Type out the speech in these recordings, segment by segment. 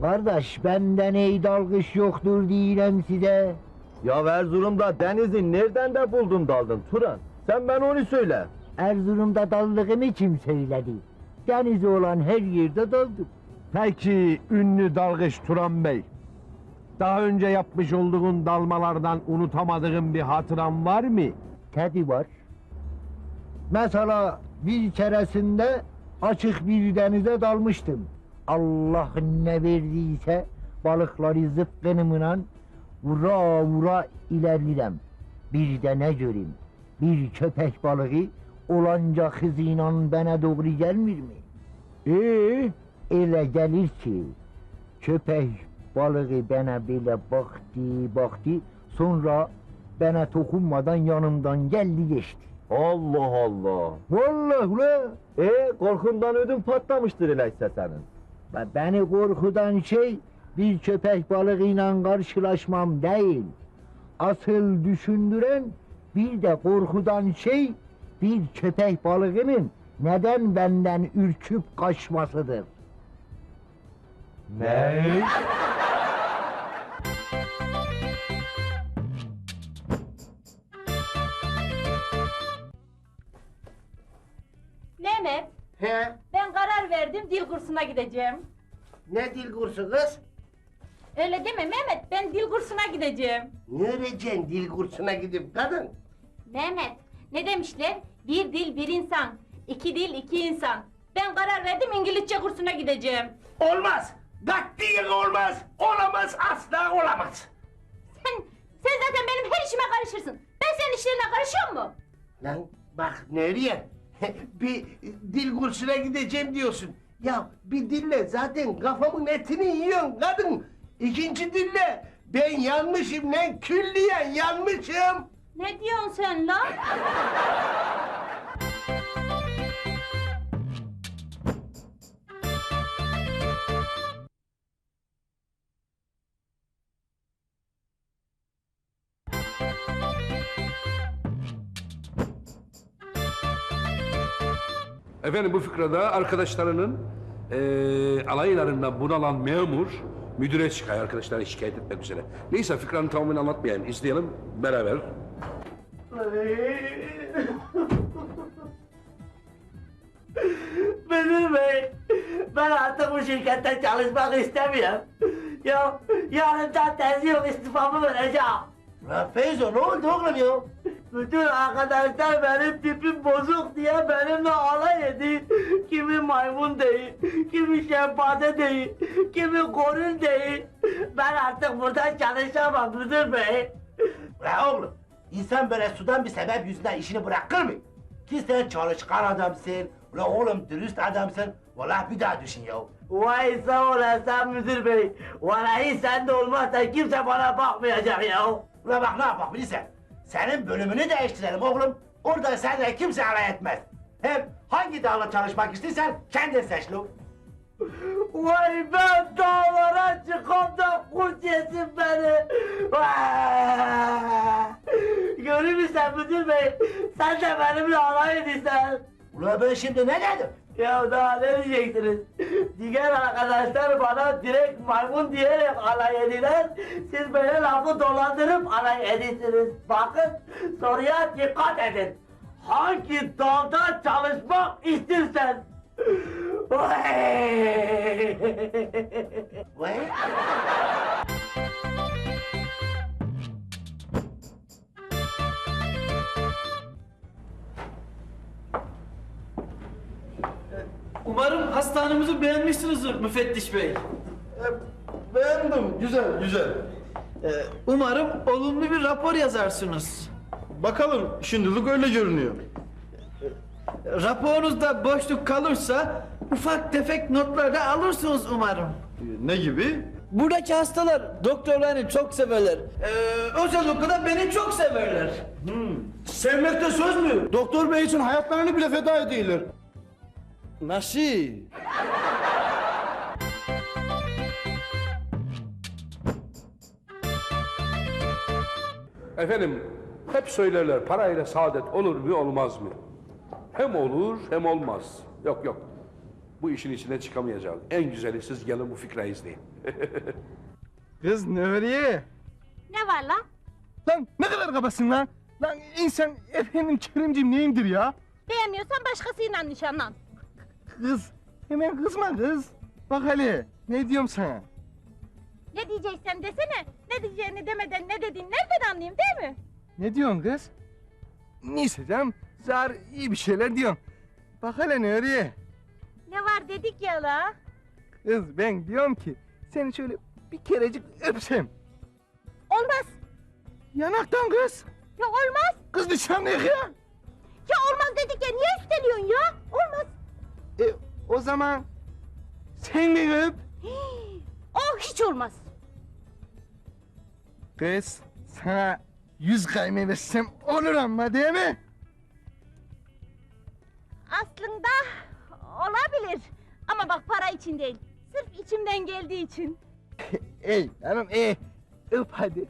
Kardeş benden ey dalgıç yoktur diyeyim size. Ya Erzurum'da denizi nereden de buldun daldın Turan? Sen ben onu söyle. Erzurum'da daldığımı kim söyledi? Denizi olan her yerde daldım. Peki ünlü dalgıç Turan Bey, daha önce yapmış olduğun dalmalardan unutamadığın bir hatıran var mı? Tabii var. Mesela bir keresinde açık bir denize dalmıştım. Allah ne verdiyse balıkları zıpkınımla vura vura ilerledim. Bir de ne göreyim? Bir köpek balığı olanca hızıyla bana doğru gelmir mi? Öyle gelir ki köpek balığı bana böyle baktı, sonra bana dokunmadan yanımdan geldi geçti. Allah Allah. Vallahi ula! Korkundan ödün patlamıştır öyleyse senin. Beni korkudan şey bir köpek balığıyla karşılaşmam değil. Asıl düşündüren bir de korkudan şey bir köpek balığının neden benden ürküp kaçmasıdır. Ne? Mehmet, He, ben karar verdim, dil kursuna gideceğim. ne dil kursu kız? Öyle deme Mehmet, ben dil kursuna gideceğim. Ne öğreceksin dil kursuna gidip kadın? Mehmet, ne demişler? Bir dil bir insan, iki dil iki insan. Ben karar verdim, İngilizce kursuna gideceğim. Olmaz! Katiyen olmaz! Olamaz, asla olamaz! Sen zaten benim her işime karışırsın. Ben senin işlerine karışıyor mu? Lan bak nereye? Bir dil kursuna gideceğim diyorsun. Ya bir dille zaten kafamın etini yiyorsun kadın. İkinci dille ben yanmışım lan, külliyen yanmışım. Ne diyorsun sen lan? Efendim bu fıkrada arkadaşlarının alaylarından bunalan memur müdüre çıkıyor arkadaşlarını şikayet etmek üzere. Neyse fıkranın tamamını anlatmayayım. İzleyelim beraber. Müdür bey, ben artık bu şirkette çalışmak istemiyorum. Ya yarından tezi yok istifamı vereceğim. Lan Feyzo ne oldu oğlum ya? Bütün arkadaşlar benim tipim bozuk diye benimle alay ediyor. Kimi maymun değil, kimi şempanze değil, kimi goril değil. Ben artık burada çalışamam müdür bey. Ulan oğlum, insan böyle sudan bir sebep yüzünden işini bırakır mı? Ki sen çalışkan adamsın, ulan oğlum dürüst adamsın. Vallahi bir daha düşün ya. Vay sağ olasın müdür bey. Vallahi sen de olmazsa kimse bana bakmayacak ya. Ulan bak ne yapak bilirsen. Senin bölümünü değiştirelim oğlum. Orada seninle kimse alay etmez. Hem hangi dağla çalışmak istiyorsan kendin seç lo. Vay ben dağlara çıkam da kurt yesin beni. Vay! Görür müsün müdür bey? Sen de benimle alay ediyorsun. Ulan ben şimdi ne dedim? Ya daha ne diyeceksiniz? Diğer arkadaşlar bana direkt maymun diyerek alay ediler. Siz böyle lafı dolandırıp alay ediyorsunuz. Bakın soruya dikkat edin. Hangi dalda çalışmak istersen? Vay! Vay! Umarım hastanemizi beğenmişsinizdir müfettiş bey. Beğendim, güzel, güzel. Umarım olumlu bir rapor yazarsınız. Bakalım, şimdilik öyle görünüyor. Raporunuzda boşluk kalırsa ufak tefek notlar da alırsınız umarım. Ne gibi? Buradaki hastalar doktorlarını çok severler. Özellikle de beni çok severler. Sevmekte söz mü? Doktor bey için hayatlarını bile feda ediyorlar. Nasıl? Efendim hep söylerler parayla saadet olur mu olmaz mı? Hem olur hem olmaz. Yok yok. bu işin içinden çıkamayacağız. En güzeli siz gelin bu fikri izleyin. Kız Nuriye. Ne var la? Lan ne kadar kabasın lan. Lan insan efendim Kerimciğim neyimdir ya? Beğenmiyorsan başkasıyla nişanlan. Kız hemen kızma kız. Bak hele ne diyorum sana. Ne diyeceksen desene. Ne diyeceğini demeden ne dediğini nereden anlayayım değil mi? Ne diyorsun kız? Neyse canım zar iyi bir şeyler diyorsun. Bak hele Nuriye. Ne var dedik ya la? Kız ben diyorum ki seni şöyle bir kerecik öpsem. Olmaz. Yanaktan kız. Ya olmaz. Kız nişanlıyık ya. Ya olmaz dedik ya niye üsteliyorsun ya? Olmaz. O zaman sen beni öp. Oh hiç olmaz. Kız sana 100 kayme versem olur ama değil mi? Aslında olabilir. Ama bak para için değil. Sırf içimden geldiği için. Ey hanım öp hadi.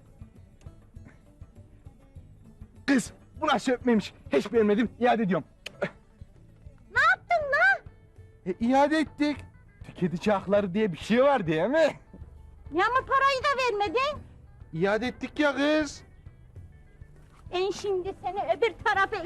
Kız bu nasıl öpmemiş hiç beğenmedim iade ediyorum. Ne yaptın la? İade ettik. Tüketici hakları diye bir şey var değil mi? Ya ama parayı da vermedin. İade ettik ya kız. Ben şimdi seni öbür tarafa...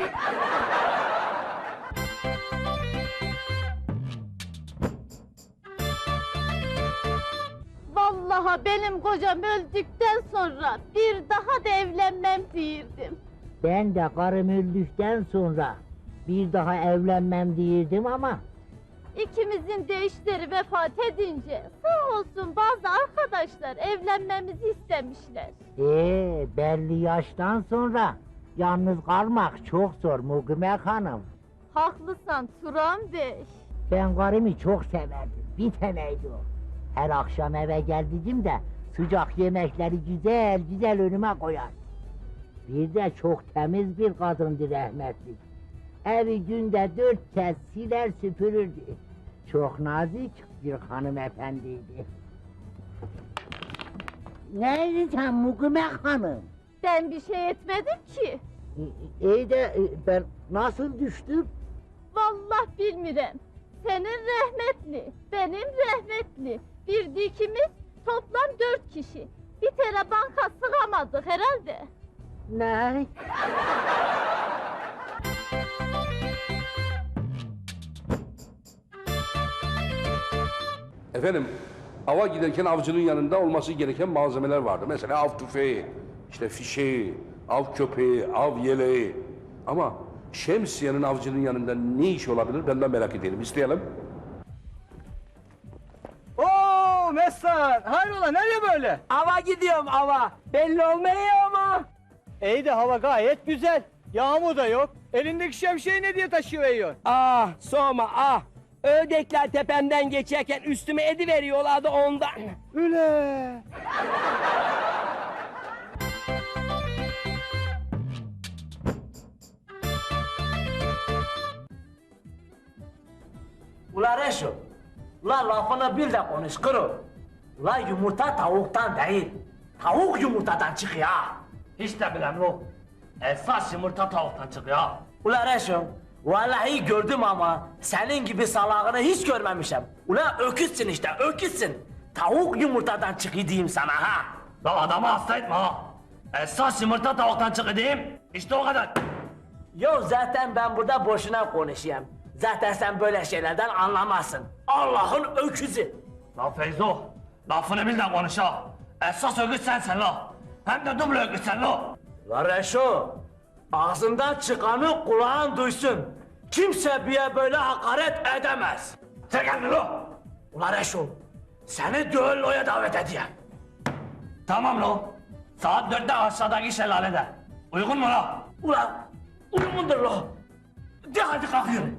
Vallahi benim kocam öldükten sonra bir daha da evlenmem diyirdim. Ben de karım öldükten sonra bir daha evlenmem diyirdim ama İkimizin de eşleri vefat edince sağ olsun bazı arkadaşlar evlenmemizi istemişler. belli yaştan sonra yalnız kalmak çok zor Mugumek Hanım. Haklısın Turan Bey. Ben karımı çok severdim. Bir taneydi o. Her akşam eve geldiğimde de sıcak yemekleri güzel güzel önüme koyar. Bir de çok temiz bir kadındı rahmetli. Evi günde 4 kez siler süpürürdü. Çok nazik bir hanımefendiydi. Neydi sen Mugumek Hanım? Ben bir şey etmedim ki. İyi de ben nasıl düştüm? Vallahi bilmirem. Senin rahmetli, benim rahmetli. Bir dikimiz toplam 4 kişi. Bir tane banka sığamadık herhalde. Ne? Efendim, ava giderken avcının yanında olması gereken malzemeler vardı. Mesela av tüfeği, işte fişeği, av köpeği, av yeleği. Ama şemsiyenin avcının yanında ne iş olabilir benden merak edelim. İsteyelim. Oo Mesut, hayrola nereye böyle? Ava gidiyorum ava. Belli olmuyor ama. İyi de hava gayet güzel. Yağmur da yok. Elindeki şemsiyeyi ne diye taşıyor yiyor? Ah sorma ah. Ördekler tepemden geçerken üstüme ediveriyorlardı ondan. Üle. Ula Reşo, ula lafını bil de konuş kuru. Ula yumurta tavuktan değil, tavuk yumurtadan çıkıyor. Hiç de bilem yok. Esas yumurta tavuktan çıkıyor. Ula Reşo, vallahi gördüm ama senin gibi salağını hiç görmemişim. Ula öküzsün işte, öküzsün. Tavuk yumurtadan çıkıyor diyeyim sana ha. La adamı hasta etme ha. Esas yumurta tavuktan çıkıyor diyeyim. İşte o kadar. Yo zaten ben burada boşuna konuşayım. Zaten sen böyle şeylerden anlamazsın. Allah'ın öküzü. La Feyzo, lafını bil de konuş ha. Esas öküz sensin la. Hem de duble öküz sen la. La Reşo, ağzından çıkanı kulağın duysun. Kimse bir böyle hakaret edemez. Sen geldin la. Ula Reşo, seni düelloya davet edeyim. Tamam la. Saat 4'te aşağıdaki şelalede. Uygun mu la? Ula, uygundur la. De hadi kalk yürü.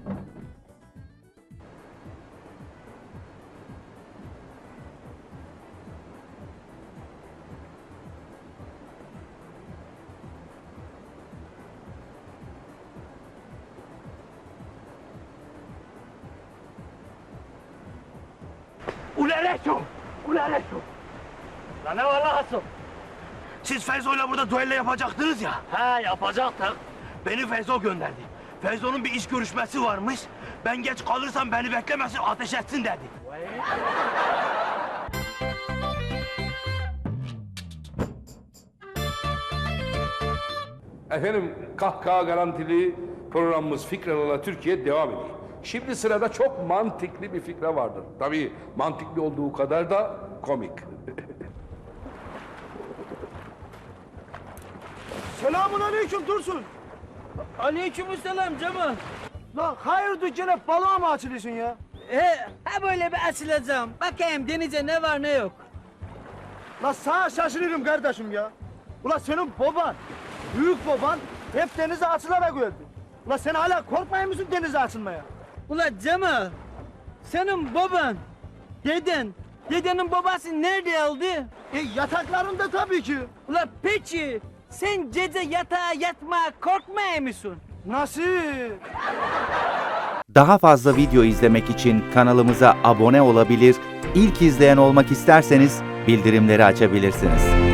Ulereşo! Ulereşo! Lan ne var lan Hasan? Siz Feyzo'yla burada düello yapacaktınız ya. He yapacaktık. Beni Feyzo gönderdi. Feyzo'nun bir iş görüşmesi varmış. Ben geç kalırsam beni beklemesin, ateş etsin dedi. Efendim kahkaha garantili programımız Fikralarla Türkiye devam ediyor. Şimdi sırada çok mantıklı bir fikre vardır. Tabii mantıklı olduğu kadar da komik. Selamun aleyküm Dursun. Aleykümselam Cemal. Lan hayırdır gene balığa mı açılıyorsun ya? Ha böyle bir açılacağım. Bakayım denize ne var ne yok. Lan sana şaşırıyorum kardeşim ya. Ulan senin baban, büyük baban hep denize açılarak öldü. Ulan sen hala korkmuyor musun denize açılmaya? Ula Cemal, senin baban, dedenin babası nerede öldü? Yataklarında tabii ki. Ula peki, sen gece yatağa yatmaya korkmuyor musun? Nasıl? Daha fazla video izlemek için kanalımıza abone olabilir, ilk izleyen olmak isterseniz bildirimleri açabilirsiniz.